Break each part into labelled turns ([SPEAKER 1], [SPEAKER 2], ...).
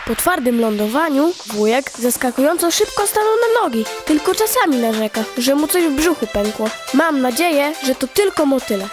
[SPEAKER 1] Po twardym lądowaniu wujek zaskakująco szybko stanął na nogi, tylko czasami narzeka, że mu coś w brzuchu pękło. Mam nadzieję, że to tylko motyle.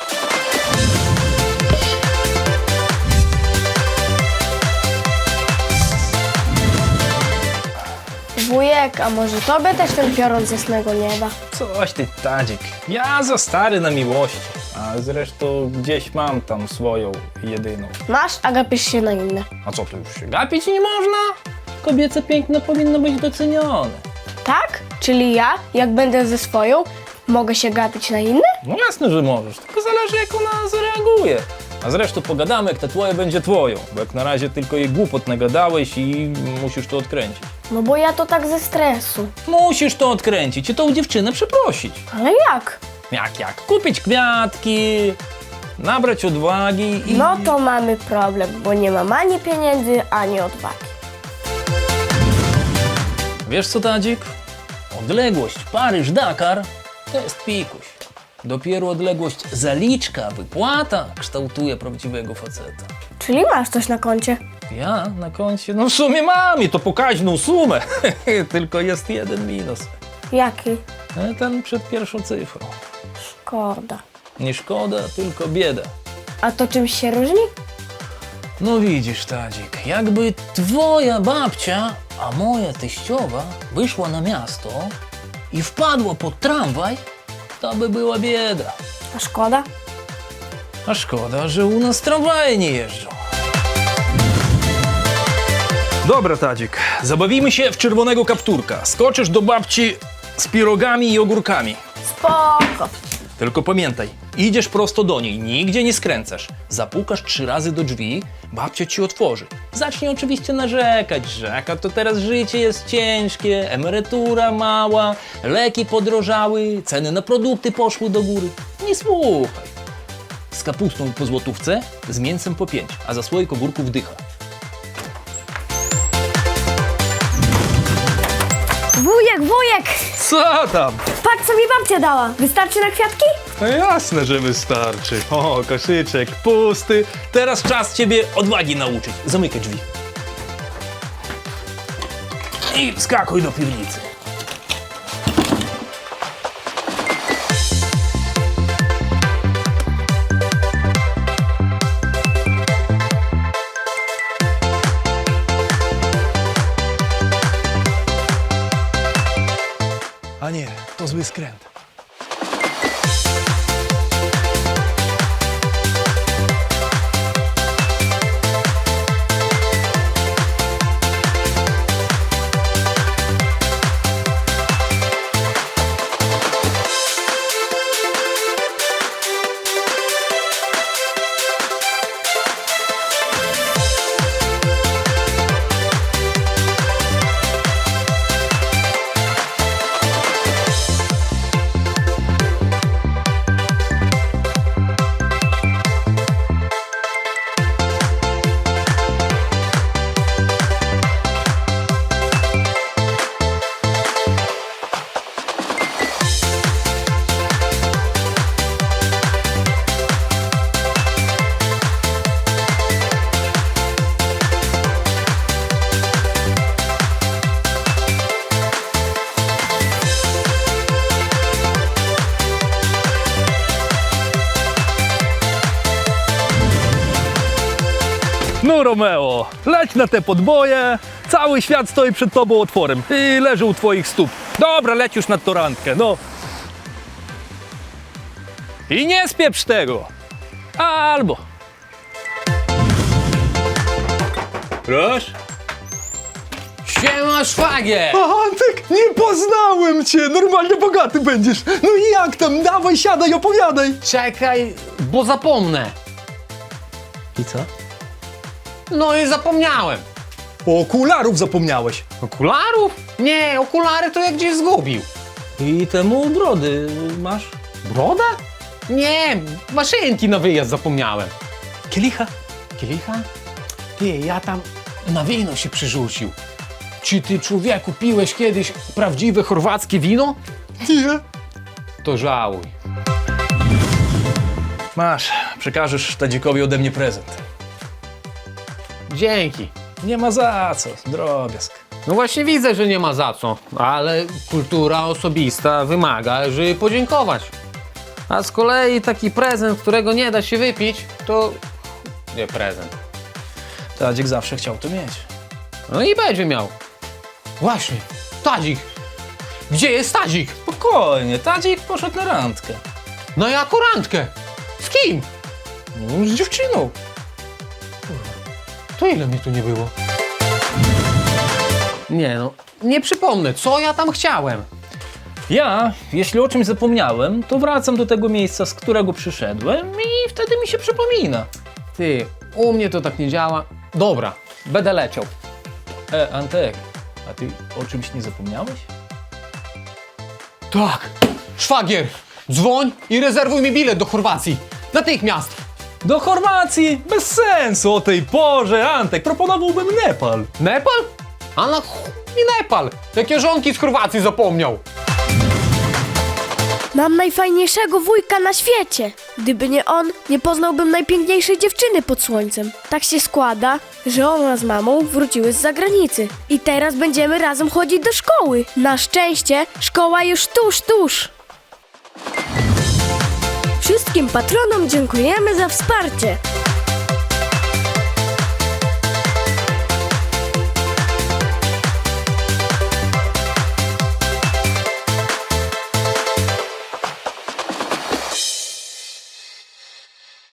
[SPEAKER 1] Wujek, a może tobie też ten piorun z jasnego nieba?
[SPEAKER 2] Coś ty, Tadzik. Ja za stary na miłości. A zresztą gdzieś mam tam swoją jedyną.
[SPEAKER 1] Masz, a gapisz się na inne.
[SPEAKER 2] A co, tu już się gapić nie można? Kobiece piękno powinno być docenione.
[SPEAKER 1] Tak? Czyli ja, jak będę ze swoją, mogę się gapić na inne?
[SPEAKER 2] No jasne, że możesz, tylko zależy jak ona zareaguje. A zresztą pogadamy, jak ta twoja będzie twoją, bo jak na razie tylko jej głupot nagadałeś i musisz to odkręcić.
[SPEAKER 1] No bo ja to tak ze stresu.
[SPEAKER 2] Musisz to odkręcić i tą dziewczynę przeprosić.
[SPEAKER 1] Ale jak?
[SPEAKER 2] Jak? Kupić kwiatki, nabrać odwagi i...
[SPEAKER 1] No to mamy problem, bo nie mam ani pieniędzy, ani odwagi.
[SPEAKER 2] Wiesz co, Tadzik? Odległość Paryż-Dakar to jest pikuś. Dopiero odległość zaliczka, wypłata kształtuje prawdziwego faceta.
[SPEAKER 1] Czyli masz coś na koncie?
[SPEAKER 2] Ja na koncie? No w sumie mam i to pokaźną sumę. Tylko jest jeden minus.
[SPEAKER 1] Jaki?
[SPEAKER 2] Ten przed pierwszą cyfrą.
[SPEAKER 1] Szkoda.
[SPEAKER 2] Nie szkoda, tylko bieda.
[SPEAKER 1] A to czymś się różni?
[SPEAKER 2] No widzisz, Tadzik, jakby twoja babcia, a moja teściowa wyszła na miasto i wpadła pod tramwaj, to by była bieda.
[SPEAKER 1] A szkoda?
[SPEAKER 2] A szkoda, że u nas tramwaje nie jeżdżą. Dobra, Tadzik, zabawimy się w czerwonego kapturka. Skoczysz do babci z pirogami i ogórkami.
[SPEAKER 1] Spoko.
[SPEAKER 2] Tylko pamiętaj, idziesz prosto do niej, nigdzie nie skręcasz. Zapukasz 3 razy do drzwi, babcia ci otworzy. Zacznij oczywiście narzekać, że jaka to teraz życie jest ciężkie, emerytura mała, leki podrożały, ceny na produkty poszły do góry. Nie słuchaj. Z kapustą po złotówce, z mięsem po 5, a za słoik ogórków dycha.
[SPEAKER 1] Wujek!
[SPEAKER 2] Co tam?
[SPEAKER 1] Patrz, co mi babcia dała. Wystarczy na kwiatki?
[SPEAKER 2] No jasne, że wystarczy. O, koszyczek pusty. Teraz czas ciebie odwagi nauczyć. Zamykaj drzwi. I wskakuj do piwnicy. A nie, to zły skręt. No Romeo, leć na te podboje, cały świat stoi przed tobą otworem i leży u twoich stóp. Dobra, leć już nad torantkę, no. I nie spieprz tego. Albo. Proszę.
[SPEAKER 3] Siema, szwagier!
[SPEAKER 4] Antek, nie poznałem cię! Normalnie bogaty będziesz! No i jak tam? Dawaj, siadaj, opowiadaj!
[SPEAKER 3] Czekaj, bo zapomnę.
[SPEAKER 2] I co?
[SPEAKER 3] No i zapomniałem.
[SPEAKER 4] Okularów zapomniałeś.
[SPEAKER 3] Okularów? Nie, okulary to jak gdzieś zgubił.
[SPEAKER 2] I temu brody masz?
[SPEAKER 3] Broda? Nie, maszynki na wyjazd zapomniałem.
[SPEAKER 2] Kielicha?
[SPEAKER 3] Kielicha? Ty, ja tam na wino się przyrzucił. Czy ty, człowieku, piłeś kiedyś prawdziwe chorwackie wino?
[SPEAKER 4] Nie.
[SPEAKER 3] To żałuj.
[SPEAKER 2] Masz, przekażesz Tadzikowi ode mnie prezent.
[SPEAKER 3] Dzięki.
[SPEAKER 2] Nie ma za co, drobiazg.
[SPEAKER 3] No właśnie widzę, że nie ma za co, ale kultura osobista wymaga, żeby podziękować. A z kolei taki prezent, którego nie da się wypić, to nie prezent.
[SPEAKER 2] Tadzik zawsze chciał to mieć.
[SPEAKER 3] No i będzie miał. Właśnie, Tadzik. Gdzie jest Tadzik?
[SPEAKER 2] Spokojnie, Tadzik poszedł na randkę.
[SPEAKER 3] Na jaką randkę? Z kim?
[SPEAKER 2] No, z dziewczyną.
[SPEAKER 3] To ile mnie tu nie było? Nie no, nie przypomnę, co ja tam chciałem.
[SPEAKER 2] Ja, jeśli o czymś zapomniałem, to wracam do tego miejsca, z którego przyszedłem i wtedy mi się przypomina.
[SPEAKER 3] Ty, u mnie to tak nie działa. Dobra, będę leciał.
[SPEAKER 2] Antek, a ty o czymś nie zapomniałeś?
[SPEAKER 3] Tak, szwagier, dzwoń i rezerwuj mi bilet do Chorwacji. Natychmiast.
[SPEAKER 2] Do Chorwacji? Bez sensu o tej porze, Antek, proponowałbym Nepal.
[SPEAKER 3] Nepal? A na chuj mi Nepal. Jakie żonki z Chorwacji zapomniał.
[SPEAKER 1] Mam najfajniejszego wujka na świecie. Gdyby nie on, nie poznałbym najpiękniejszej dziewczyny pod słońcem. Tak się składa, że ona z mamą wróciły z zagranicy. I teraz będziemy razem chodzić do szkoły. Na szczęście szkoła już tuż. Wszystkim patronom dziękujemy za wsparcie.